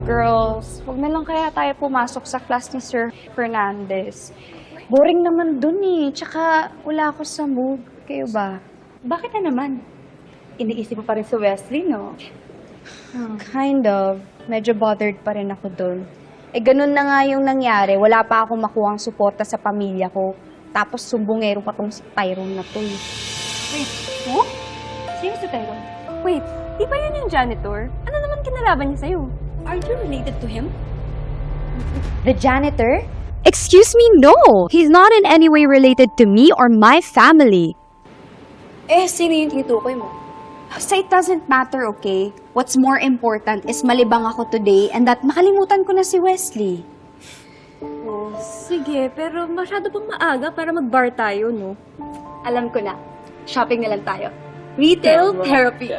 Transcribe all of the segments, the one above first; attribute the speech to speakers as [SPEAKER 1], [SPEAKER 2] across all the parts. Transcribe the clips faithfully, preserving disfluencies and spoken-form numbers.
[SPEAKER 1] Girls, wag na lang kaya tayo pumasok sa class ni Sir Fernandez. Boring naman dun eh. Tsaka wala ako sa mood. Kayo ba?
[SPEAKER 2] Bakit na naman? Iniisip mo pa rin si Wesley, no?
[SPEAKER 1] Kind of. Medyo bothered pa rin ako dun. Eh, ganun na nga yung nangyari. Wala pa akong makuhang suporta sa pamilya ko. Tapos sumbongero pa tong si Tyrone na to eh.
[SPEAKER 2] Wait, oh? Sino si Tyrone? Wait, di ba yun yung janitor? Ano naman kinalaban niya sa'yo? Are you related to him?
[SPEAKER 1] The janitor?
[SPEAKER 3] Excuse me, no! He's not in any way related to me or my family.
[SPEAKER 2] Eh, sino yung tinutukoy mo?
[SPEAKER 1] So it doesn't matter, okay? What's more important is malibang ako today and that makalimutan ko na si Wesley.
[SPEAKER 2] Oh, sige, pero masyado pang maaga para mag-bar tayo, no? Alam ko na. Shopping na lang tayo. Retail therapy.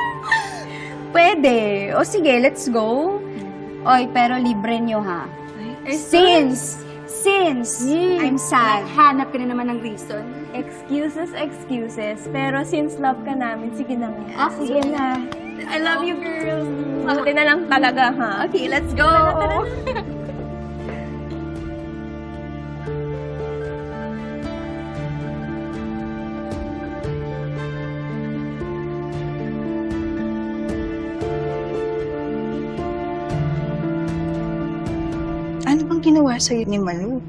[SPEAKER 1] Pwede. O sige, let's go. Oy, pero libre nyo ha. Since, since I'm sad.
[SPEAKER 2] Hanap ka na naman ng reason. Excuses, excuses. Pero since love ka namin, sige na nga.
[SPEAKER 1] Ah, sige na.
[SPEAKER 2] I love you, girls. Buti na lang talaga, ha? Okay, let's go.
[SPEAKER 4] Ano bang ginawa sa'yo ni Malu?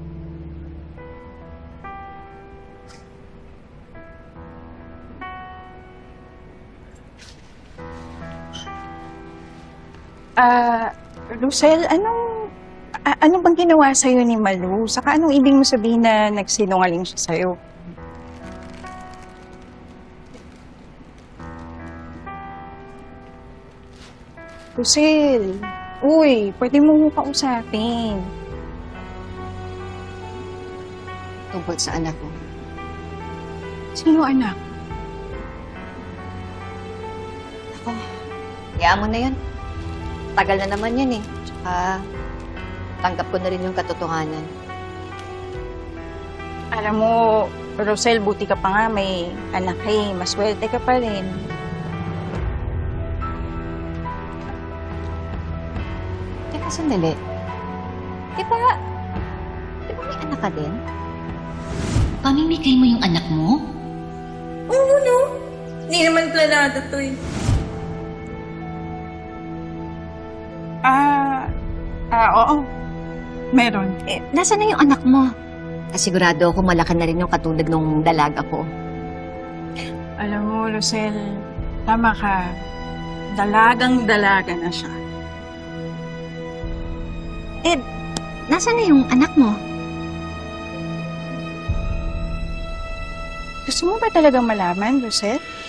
[SPEAKER 4] Ah, Lucel, anong a- ano bang ginawa sa'yo ni Malu? Saka anong ibig mo sabihin na nagsinungaling siya sa'yo? Lucel, uy, pwede mo mo kausapin.
[SPEAKER 5] Tungkol sa anak ko.
[SPEAKER 4] Sino anak?
[SPEAKER 5] Ako, hayaan mo na yun. Tagal na naman yan eh. Tsaka, tanggap ko na rin yung katotohanan.
[SPEAKER 4] Alam mo, Rosel, buti ka pa nga may anak eh. Maswerte ka pa rin.
[SPEAKER 5] Teka, sandali. Di ba, di ba may anak ka din?
[SPEAKER 6] Pamimigay mo yung anak mo?
[SPEAKER 7] Oo, no? Hindi naman planado to eh.
[SPEAKER 4] Ah, ah, oo. Meron.
[SPEAKER 5] Eh, nasa na yung anak mo? Kasigurado ako malaki na rin yung katulad ng dalaga ko.
[SPEAKER 4] Alam mo, Lucel, tama ka. Dalagang-dalaga na siya.
[SPEAKER 5] Eh, nasa na yung anak mo?
[SPEAKER 4] Gusto mo ba talagang malaman, Lucel?